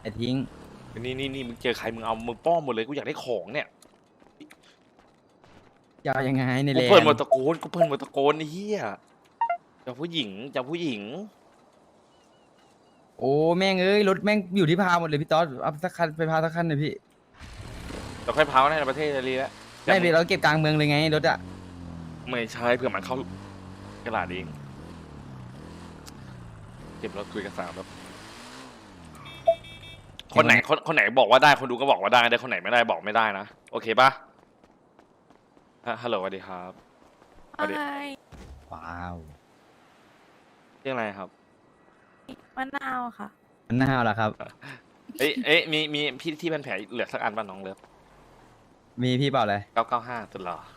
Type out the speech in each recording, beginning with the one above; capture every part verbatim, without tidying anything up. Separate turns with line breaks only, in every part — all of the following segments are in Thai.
แต่ทิ้ง
นี่นี่นี่มึงเจอใครมึงเอามึงป้อมหมดเลยกูอยากได้ของเนี่ย
จะเอายังไงใน
กู
แลน
เพิ่น
ด์
หมดตะโกนกูเพิ่นหมดตะโกนไอ้เหี้ยจะผู้หญิงจะผู้หญิง
โอ้แม่งเอ้ยรถแม่งอยู่ที่พาวหมดเลยพี่ต๊อดเอาสักคันไปพาวสักคันหน่อยพี่
เราค่อยเผาในประเทศจะรีแล้ว
ไม่พี่เราเก็บกลางเมืองเลยไงรถอะ
ไม่ใช่เพื่อมันเข้ากระดาษเองเก็บรถคุยกับสาวแบบคนไหนคนคนไหนบอกว่าได้คนดูก็บอกว่าได้แต่คนไหนไม่ได้บอกไม่ได้นะโอเคปะฮะฮัลโหลสวัสดีครับสวัสดี
ว้าว
เรื่องอะไรครับ
มะนาวค่ะ
มันน่าเอาละครับ
เอ้ยเอ้ยมีมีพี่ที่เป็นแผลเหลือสักอันป่ะน้องเลิฟ
มีพี่เปล่าเลย
เก้าเก้าห้าสุดหรอ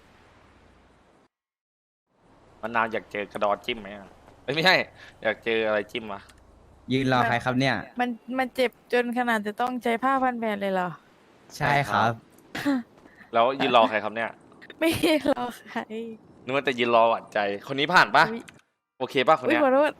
มันนาวอยากเจอกระดอจิ้มไหมอะเอ้ยไม่ใช่อยากเจออะไรจิ้มวะ
ยืนรอใครครับเนี่ย
มันมันเจ็บจนขนาดจะต้องใช้ผ้าพันแผลเลยเหรอ
ใช่ครับ
แล้วยืนรอใครครับเนี่ย
ไม่รอใคร
นึกว่าจะยืนรอหวั่นใจ คนนี้ผ่านปะ
อุ๊ย
โอเคปะคน
อุ้ย
เนี้ย
ขอโทษ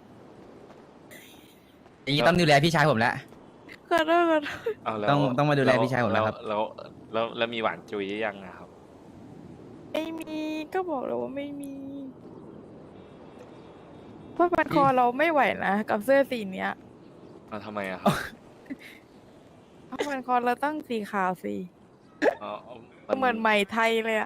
อย่างนี้ต้องดูแลพี่ชายผมแล้ว
ขอโทษขอโทษ
เอาแล้ว
ต้องต้องมาดูแลพี่ชายผมแล้วครับ
แล้วแล้วแล้วแล้วมีหวานจุยยังอะครับ
ไม่มีก็บอกแล้วว่าไม่มีเพราะพันคอเราไม่ไหวนะกับเสื้อสีเนี้ย
เอาทำไมอะครับ
เพราะพันคอเราต้องสีขาวสี
อ๋อ
เหมือนไหมไทยเลยอะ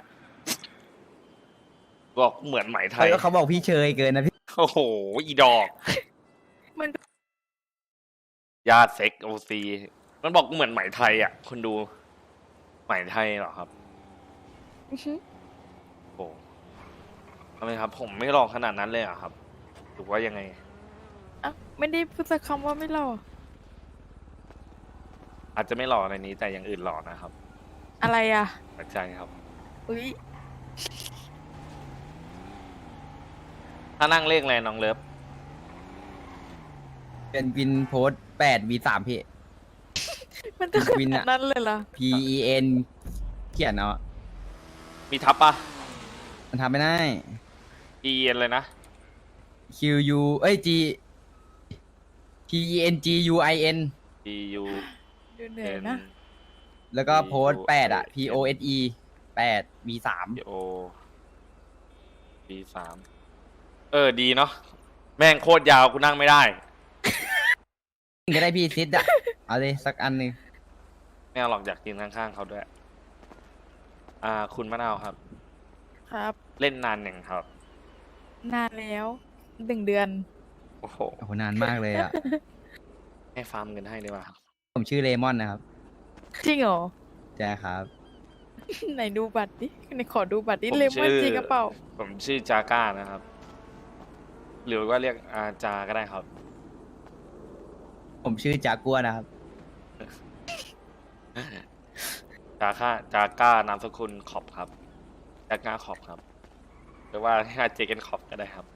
บอกเหมือนไหมไทย
เขาบอกพี่เชยเกินนะพี่
โอ้โหอีดอก
มัน
ญาติเซ็กโอซีมันบอกเหมือนไหมไทยอ่ะคุณดูไหมไทยเหรอครับ
อื้อหือ
โอ้ทำไมครับ ผมไม่ลองขนาดนั้นเลยเหรอ่ะครับหรือว่ายังไง
อ่ะไม่ได้พูดสักคำว่าไม่หล่อ
อาจจะไม่หล่อในนี้แต่อย่างอื่นหล่อนะครับ
อะไรอะ
ปัจใจครับ
อุ้ย
ถ้านั่งเลขอะไรน้องเลิฟ
เป็นวินโพสแปดวีสามพี่
มันต้องข
วิน
นา
อะ
ดนั้นเลยเหรอ
P E N เขียนเอาอะ
มีทับปะ
มันทำไม่ได้
E N เลยนะ
Q U เอ้ย G P E N G U I N
P U
ดูเหนื่อย
N
นะ
แล้วก็
P U
โพสแปดอะ P O S E แปด V สาม
O B สามเออดีเนาะแม่งโคตรยาวกูนั่งไม่ได้
ก็ได้พี่ซิดอะเอาเลยสักอันหนึ่ง
ไม่เอาหรอกอยากกินข้างๆเขาด้วย อ่า คุณมะนาวครับ
ครับ
เล่นนานอย่างครับ
นานแล้วหนึ่งเดือน
โอ้โห
โอ้โหนานมากเลยอะ
ให้ฟาร์มเงินให้ได้ป่ะครับ
ผมชื่อเลมอนนะครับ
จริงเหรอ
ใช่ครับ
ไหนดูบัตรดิไหนขอดูบัตรดิ
ผม
เลมอน
ชื่อ
จริงกระเป๋า
ผมชื่อจาก้านะครับ หรือว่าเรียกอาจาก็ได้ครับ
ผมชื่อจากัวนะครับ
จาค่าจาก้านามสกุลขอบครับจาก้าขอบครับหรือว่าเรียกเจเกนขอบก็ได้ครับ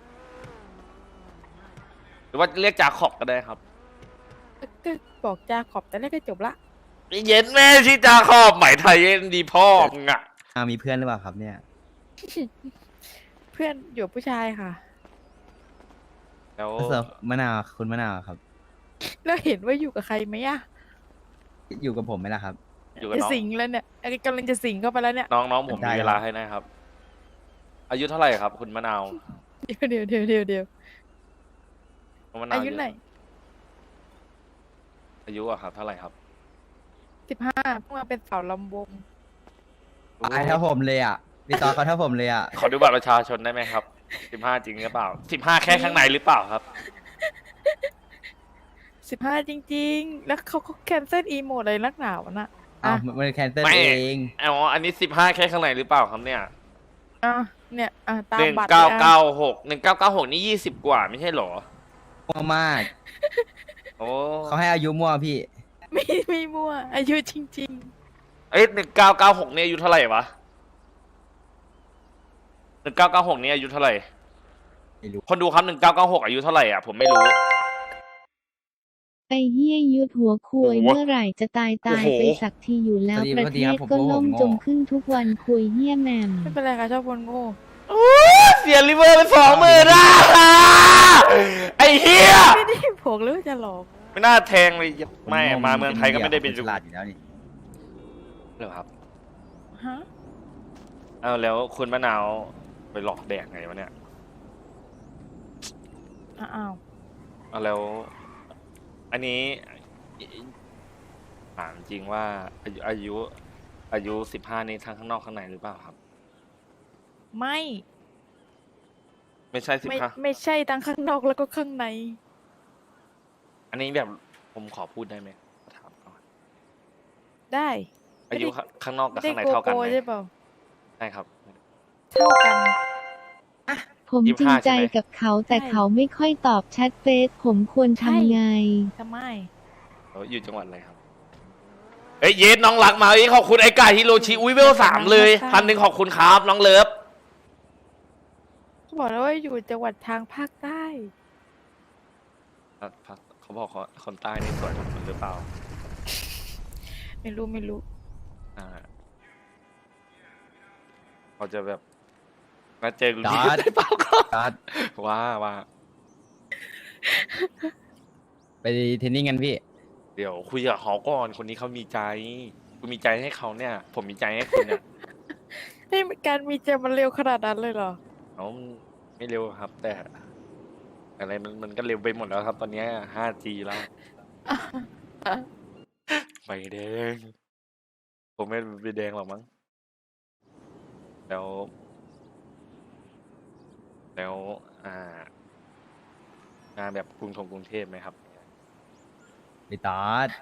หรือว่าเรียกจาขอบก็ได้ครับ
ก็บอกจาขอบแต่แรกก็จบละ
เย็นแม่ชื่อจาขอบไหมไทยเย็นดีพ่อมึงอะ
อ้าวมีเพื่อนหรือเปล่าครับเนี่ย
เพื่อนอยู่ผู้ชายค่ะ
แล้ว
เสิร์ฟมะนาวคุณมะนาวครับ
แล้วเห็นว่าอยู่กับใครไหมอะ
อยู่กับผมไหมล่ะครับ
อยู่กับ
จะ
น้อง
สิงแล้วเนี่ยกำลังจะสิงเข้าไปแล้วเนี่ย
น้องน้องผม
ได้
มี
ครับ
เวลาให้นะครับ อายุเท่าไหร่ครับ คุณมะนาว
เดี๋ยวเดี๋ยวเดี๋ยวเดี๋ยวเดี๋ยว
คุณมะนาว
อายุไหน
อายุอะครับเท่าไหร่ครับ
สิบห้าเพิ่งมาเป็นสาวลำวง
ตายเท่าผมเลยอ่ะพี่ตอนเขาเท่าผมเลยอ่ะ
ขอดูบัตรประชาชนได้ไหมครับสิบห้าจริงหรือเปล่าสิบห้าแค่ข้างในหรือเปล่าครับ
สิบห้าจริง ๆ แล้วเขาก็แคนเซิลอีโมดอะไรนักหนาวน่ะ
อ้า
อ่ะ
วมันแคนเซิล
ไม่
เอง
อ๋ออันนี้สิบห้าแค่ข้างในหรือเปล่าครับเนี่ย
อ่ะเนี่ยอ่ะตา
ห
ม
นึ่ง
บัตร
เก้า
เลย
เก้า
อ่ะ
หกหนึ่งเก้าเก้าหกนี่ยี่สิบกว่าไม่ใช่เหรอ
มั่วมาก
โอ้
เขาให้อายุมั่วพี่
ไม่ไม่มั่วอายุจริง
เอ้ยหนึ่งเก้าเก้าหกนี่อายุเท่าไหร่วะหนึ่งเก้าเก้าหกนี่อายุเท่าไหร่
ไม่รู้
คนดูครับหนึ่งเก้าเก้าหกอายุเท่าไหร่อ่ะผมไม่รู้
ไอ้เหี้ยยุดหัวคุย
โอ้โห
เมื่อไหร่จะตายตาย
โอ้โห
ไปสักทีอยู่แล้ว
พอดี
ประ
พอดี
เท
ครั
ศ
บผม
ก็
ผม
ล่ม
โง่
จมขึ้นทุกวันคุยเหี้ยแหมม
ๆ ไม่เป็นไรค่ะชอบคนโง่
โอ้เสียลิเวอร์ไปสองหมื่นอ่ะไอ้เหี้ย
ไม่ได้ผกหรือว่าจะหลอก
ไม่น่าแทงเลยไม่มาเมืองไทยก็ไม่ได้เป็น
ฉลาดอยู่แล้วนี่
เหรอครับ
ฮะ
เอาแล้วคุณมะนาวไปหลอกแดกไงวะเนี่ย
อ้าว
เอาแล้ว อันนี้ถามจริงว่าอายุอายุอายุสิบห้านี้ทั้งข้างนอกข้างในหรือเปล่าครับ
ไม่
ไม่ใช่สิบ
ไม่
ห้า
ไม่ใช่ทั้งข้างนอกแล้วก็ข้างใน
อันนี้แบบผมขอพูดได้ไหมถามก่อน
ได้
อายุข้างนอกกับ
ไม่ได้
ข้างใน
โก
เท่ากัน
โก้
ไหม
ใช่เปล่า
ใช่ครับ
เท่ากัน
ผม
ยี่
จ
สิ
ริ
บ
ง
ห้า
ใจ
ใช่ไหม
กับเขาแต่
ใช่
เขาไม่ค่อยตอบแชทเฟซผมควร
ใช่
ทำไง
ทำไม
เราอยู่จังหวัดอะไรครับ เอ้ยเยสน้องรักมาเอ้ยขอบคุณไอ้กาฮิโรชิอุ้ยเวลสามเลยพันหนึ่งขอบคุณครับน้องเลิฟ
เขาบอกแล้วว่าอยู่จังหวัดทางภาคใต้
เขาบอกเขาคนใต้นี่สวยทุกคนหรือเปล่า
ไม่รู้ไม่รู้
อ่าเขาจะแบบมาเจอกู
จอ
ที่
ด
ได้เปล่าก็
จอด
ว่าว่า
ไปเทรนนิ่งกันพี่
เดี๋ยวคุยกับเขาก่อนคนนี้เขามีใจกูมีใจให้เขาเนี่ย ผมมีใจให้คุณเนี่ย
ให้การมีเจมันเร็วขนาดนั้นเลยเหรอ
เขาไม่เร็วครับ แต่อะไรมันมันก็เร็วไปหมดแล้วครับ ตอนนี้ ห้าจี แล้วไฟแดงผมไม่ไปแดงหรอกมั้งแล้ว แล้ว อ่างานแบบกรุงทงกรุงเทพไหมครับ
พี่ตอด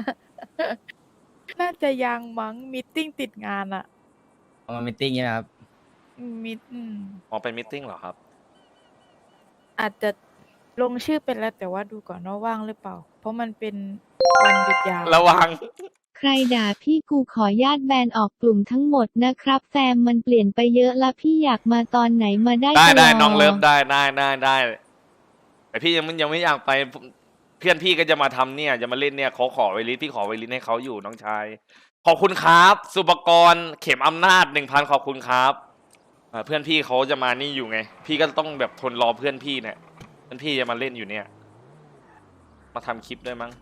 น่าจะยังมั้งมีตติ้งติดงานอะ
เอามามิทติ้งใช่ไหมครับ
อืมมีอืม
ออกไปมิทติ้งเหรอครับ
อาจจะลงชื่อเป็นแล้วแต่ว่าดูก่อนว่าว่างหรือเปล่า เพราะมันเป็นวันหยุดยาว
ระวัง
ใครด่าพี่กูขอญาตแบนออกกลุ่มทั้งหมดนะครับแซมมันเปลี่ยนไปเยอะละพี่อยากมาตอนไหนมาได้
ได้
ตล
ได้
อด
น้องเลิฟได้ได้ได้ได้แต่พี่ยังไม่ยังไม่อยากไปเพื่อนพี่ก็จะมาทำเนี่ยจะมาเล่นเนี่ยเขาขอไวลิสพี่ขอไวลิสให้เขาอยู่น้องชายขอบคุณครับ สุปกรณ์เข็มอำนาจหนึ่งพันขอบคุณครับอ่าเพื่อนพี่เขาจะมานี่อยู่ไง พี่ก็ต้องแบบทนรอเพื่อนพี่เนี่ยเพื่อนพี่จะมาเล่นอยู่เนี่ย มาทำคลิปด้วยมั้ง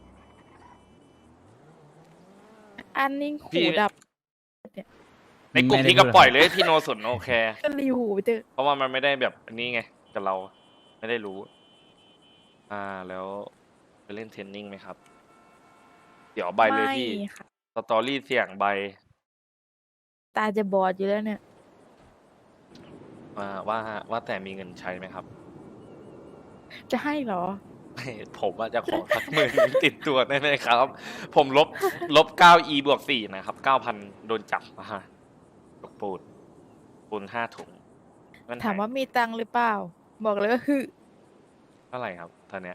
อันนิ่ง
พี่
หูดับ
ในกลุ่ม
ไม่ได้
พี่ก็
พูด
ปล่อยเลยพี่โนสุนโอเค
ก็รีหูไปเถอะ
เพราะว่ามันไม่ได้แบบอันนี้ไงกับเราไม่ได้รู้ อ่าแล้วไปเล่นเทรนนิ่งไหมครับ เดี๋ยวใบเลยพี่
ไม่ค่ะ
สตอรี่เสี่ยงใบ
ตาจะบอดอยู่แล้วเนี่ย
อ่าว่าว่าแต่มีเงินใช้ไหมครับ
จะให้เหรอ
ไม่ผมว่าจะขอสักหมื่น ติดตัวได้ไหมครับ ผมลบลบเก้าอีบวกสี่นะครับเก้าพันโดนจับมาตกปูนปูนห้าถุงเงื่อนไข
ถามว่ามีตังค์หรือเปล่า บอกเลยว่าคือ
เท่าไหร่ครับตอนเนี้ย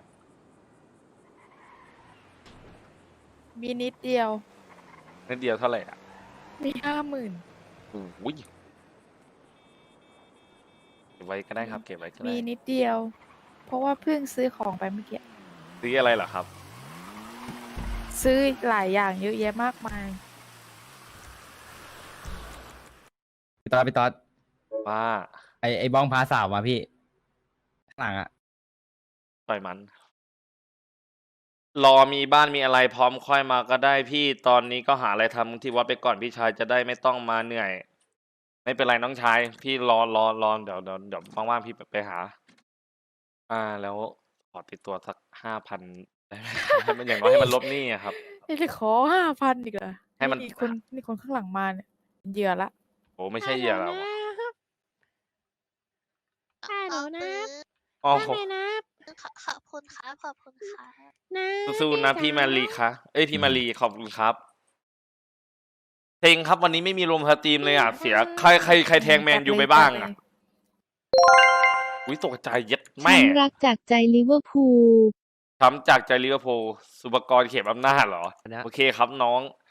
มีนิดเดียว
นิดเดียวเท่าไหร่อ่ะ
มีห้าหมื่น
โอ้ยเก็บไว้ก็ได้ครับ เก็บไว้ก็ได้
มีนิดเดียว เพราะว่าเพิ่งซื้อของไปเมื่อกี้
ซื้ออะไรเหรอครับ
ซื้อหลายอย่างเยอะแยะมากมาย
พี่ตอดพี่ตอด
ว่า
ไอไอบ้องพาสาวมาพี่ ข้างหลังอะ
ปล่อยมัน รอมีบ้านมีอะไรพร้อมค่อยมาก็ได้พี่ตอนนี้ก็หาอะไรทำที่วัดไปก่อนพี่ชายจะได้ไม่ต้องมาเหนื่อย ไม่เป็นไรน้องชาย พี่รอรอรอเดี๋ยวเดี๋ยวเดี๋ยวว่างๆพี่ไปหา อ่าแล้วขอติดตัวสักห้าพันได้ไหม ให้มันอย่างน้อยให้มันลบหนี้อะครับ
นี่จะขอห้าพันอีกเหรอ
ให้มัน
นี่คนนี่คนข้างหลังมาเนี่ยเป็นเหยื่อละ
โอ้ไม่ใช่เหยื่อแล้ว
ค่ะหนูนะ
อ๋อ
ได้
ผม
ไหมนะ
ขอขอบคุณครับขอบคุณครับ
นะ
สู้ๆนะพี่มารีคะเอ้ยพี่มารีขอบคุณครับเพลงครับวันนี้ไม่มีลมสตรีมเลยอ่ะเสียใครใครใครแทงแมนยูไปบ้างอ่ะอุ้ยตกใจเย็ดแม่
ช้ำรักจากใจลิเวอร์พูล
ช้ำจากใจลิเวอร์พูลสุปกรณ์เข็มอำนาจเหรอ โอเคครับน้อง